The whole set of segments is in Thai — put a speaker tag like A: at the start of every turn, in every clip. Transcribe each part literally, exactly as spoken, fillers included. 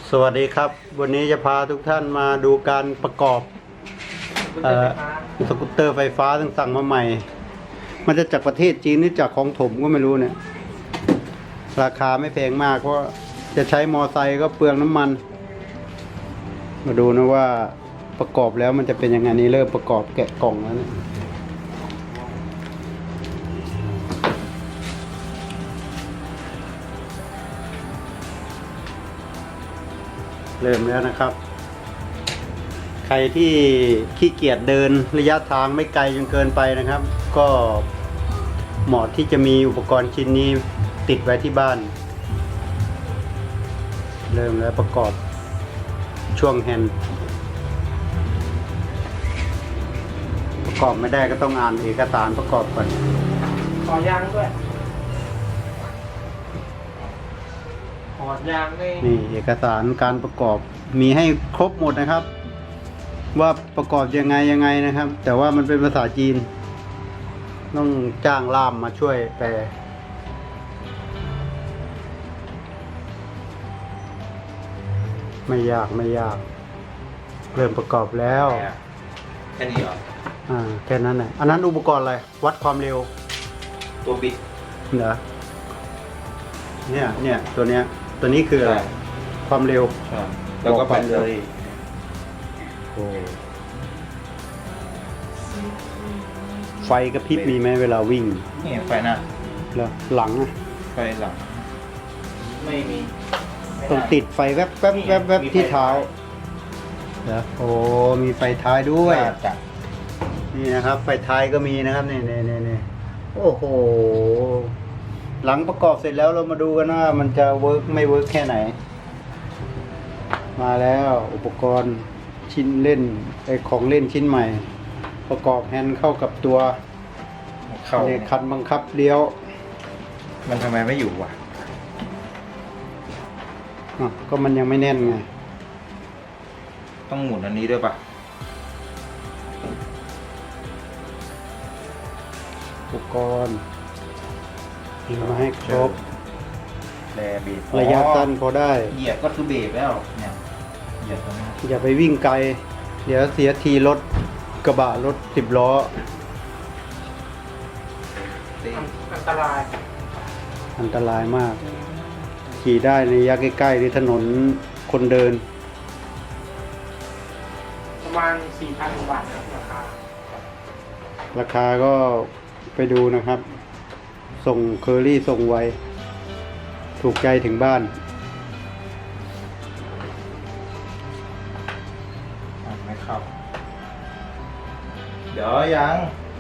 A: สวัสดีครับวันนี้จะพาทุกท่านมาดูการประกอบเอ่อสกูตเตอร์ไฟฟ้าซึ่งสั่งมาใหม่ มันจะจากประเทศจีนหรือจากของถมก็ไม่รู้เนี่ยราคาไม่แพงมากเพราะจะใช้มอไซค์ก็เปลืองน้ำมัน มาดูนะว่าประกอบแล้วมันจะเป็นยังไงนี่เริ่มประกอบแกะกล่องแล้วเนี่ยเริ่มแล้วนะครับ ใครที่ขี้เกียจเดินระยะทางไม่ไกลจนเกินไปนะครับ ก็เหมาะที่จะมีอุปกรณ์ชิ้นนี้ติดไว้ที่บ้าน เริ่มแล้วประกอบช่วงแฮนด์ประกอบไม่ได้ก็ต้องอ่านเอกสารประกอบก่อน
B: ขอยางด้วยขอยางนี่
A: นี่เอกสารการประกอบมีให้ครบหมดนะครับ ว่าประกอบยังไงยังไงนะครับ แต่ว่ามันเป็นภาษาจีน ต้องจ้างล่ามมาช่วยแปลไม่ยากไม่ยาก เริ่มประกอบแล้ว
C: แค่นี้เหรอ
A: อ่าแค่นั้นแหละอันนั้นอุปกรณ์อะไรวัดความเร็ว
C: ตัวบิ๊ก
A: เหรอเนี่ยเนี่ยตัวเนี้ยตัวนี้คืออะไรความเร็ว
C: ใช่แล้วก็ไปเลย
A: โอ้ไฟกระพริบมีไหมเวลาวิ่ง
C: นี่ไฟหน้า
A: แล้วหลังอะ
C: ไฟหลัง ไม่มี
A: ต้องติดไฟแวบแวบแวบแวบที่เท้าเหรอโอ้มีไฟท้ายด้วย
C: น่าจะ
A: นี่นะครับ ไฟท้ายก็มีนะครับนี่นี่นี่นี่โอ้โหหลังประกอบเสร็จแล้วเรามาดูกันว่ามันจะเวิร์กไม่เวิร์กแค่ไหน มาแล้วอุปกรณ์ชิ้นเล่นไอของเล่นชิ้นใหม่ ประกอบแฮนด์เข้ากับตัว
C: เข้า
A: ในคันบังคับเลี้ยว
C: มันทำไมไม่อยู่วะ
A: อ่ะก็มันยังไม่แน่นไง
C: ต้องหมุนอันนี้ด้วยปะ
A: อุปกรณ์มีมาให้ครบ
C: แรเบรก
A: ระยะสั้นพอได้
C: เหยียบก็คือเบรกแล้วเนี่ยเหยียบตรงนี้
A: อย่าไปวิ่งไกล เดี๋ยวเสียทีรถกระบะรถสิบล้อ
C: เต้
B: อันตราย
A: อันตรายมาก ขี่ได้ในระยะใกล้ๆหรือถนนคนเดิน
B: ประมาณ สี่พัน บาทครับราคา
A: ราคาก็ไปดูนะครับ ส่งเคอรี่ส่งไว ถูกใจถึงบ้าน
C: อ่ะไม่เข้า เดี๋ยวยัง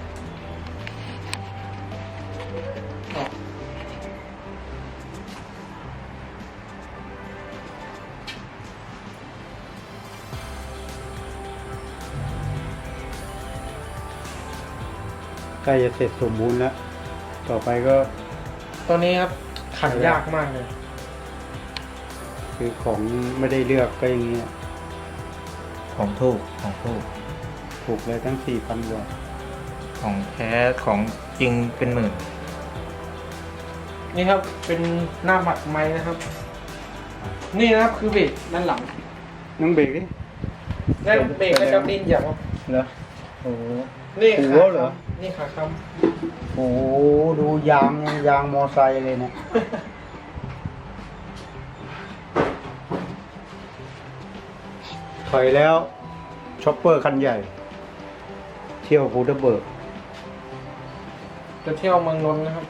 A: ใกล้จะเสร็จสมบูรณ์แล้ว ต่อไปก็
B: ตัวนี้ครับขันยากมากเลย
A: คือของไม่ได้เลือกก็อย่างเงี้ย
C: ของถูกของถูก
A: ถูกเลยทั้งสี่พันกว่า
C: ของแท้ของจริงเป็นหมื่น
B: นี่ครับเป็นหน้าบัตรไม้นะครับ นี่นะครับคือเบรกด้านหลัง
A: น้องเบรกดิ
B: แล้วเบรกก็จะดิ้นอย่างครับ
A: เหรอโอ้โห
B: นี่
A: หั
B: ขาว
A: เหรอ
B: นี่ขาค้
A: โอ้โหดูยางยางมอไซค์เลยเนี่ย ถอยแล้วช็อปเปอร์คันใหญ่ เที่ยวภูทับเบิก
B: ำจะเที่ยวเมืองนนท์นะครับ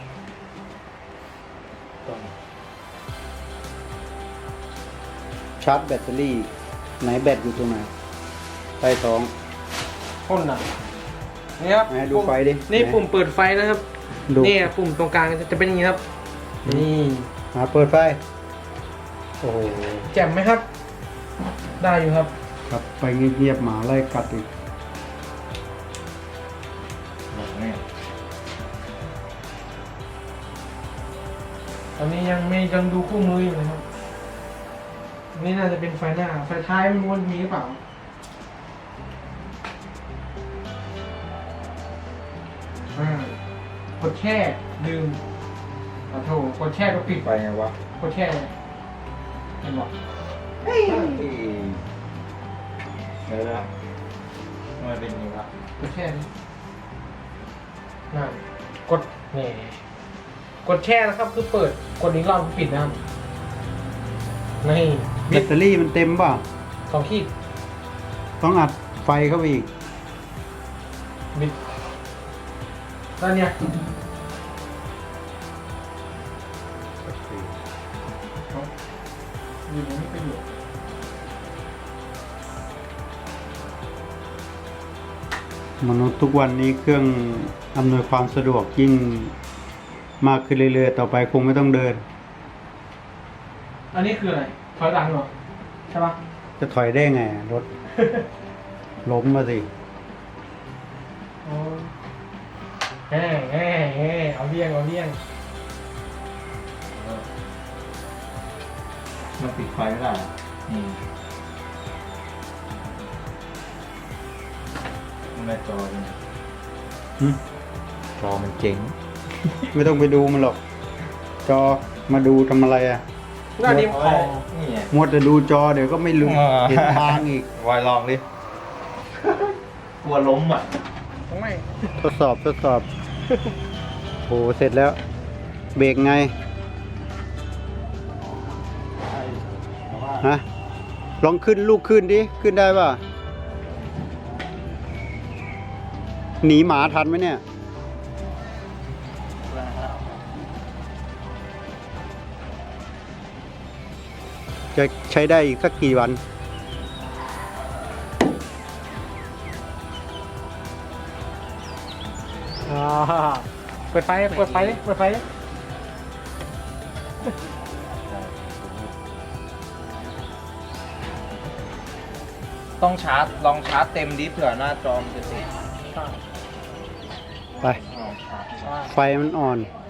A: ชาร์จแบตเตอรี่ ไหนแบตอยู่ตรงไหนใต้ท้อง
B: พ่นอ่ะนี่ครับ
A: ไหนดูไฟดิ
B: นี่
A: ไหน
B: ปุ่มเปิดไฟนะครับ
A: ดู
B: นี่ปุ่มตรงกลางจะเป็นอย่างนี้ครับ นี่
A: มาเปิดไฟ โอ้โห
B: แจ่มไหมครับ ได้อยู่ครับ
A: ครับไปเงียบๆหมาไล่กัดอีก
C: แบบนี้
B: ตอนนี้ยังไม่ยังดูคู่มืออยู่นะครับ นี่น่าจะเป็นไฟหน้า ไฟท้ายไม่รู้ว่ามีหรือเปล่า อ่ากดแช่ลืมขอโทษกดแช่ก็ปิด
C: ไปไงวะ
B: กดแช่เห็นบอก
C: เดี๋ยวนะทำไมเป็นอย่างนี้วะ
B: กดแช่นี่นั่นกดนี่กดแช่นะครับ คือเปิดกดนี้รอบปิดนะครับนี่
A: แบตเตอรี่มันเต็มเปล่ะ
B: สองขีด
A: ต้องอัดไฟเข้าไปอีก
B: บิดแล้วเนี่ยอยู่ตรงนี้ไปอยู่
A: มนุษย์ทุกวันนี้เครื่องอำนวยความสะดวกยิ่งมากขึ้นเรื่อยๆต่อไปคงไม่ต้องเดิน
B: อันนี้คืออะไรถอยหลังเหรอใช่ปะ
A: จะถอยได้ไงรถ ล้มมาสิ
B: อ๋อแง่แง่แง่เอาเลี่ยงเอาเลี่ยง
C: มันปิดไฟไม่ได้อะอืมมันไม่จอเลย
A: หึ
C: จอมันเจ๋ง
A: ไม่ต้องไปดูมันหรอก จอมาดูทำอะไรอ่ะ
B: หน้านี้คอ
C: นี่ไง
A: มัวแต่ดูจอเดี๋ยวก็ไม่รู้
C: อ่า
A: เห็นทางอีก
C: วายลองดิ กลัวล้มอ่ะ
B: ตรงไหน
A: ทดสอบทดสอบ โหเสร็จแล้ว เบรกไง ฮะ ลองขึ้นลูกขึ้นดิ ขึ้นได้ป่ะ หนีหมาทันไหมเนี่ย จะใช้ได้อีกสักกี่วัน
B: อ่าเปิดไฟเปิดไฟดิเปิดไฟดิ
C: ต้องชาร์จ ลองชาร์จเต็มดิเผื่อหน้าจอมนจะติด
A: ไป
C: ลองชาร์จ
A: ไฟมันอ่อน
B: อ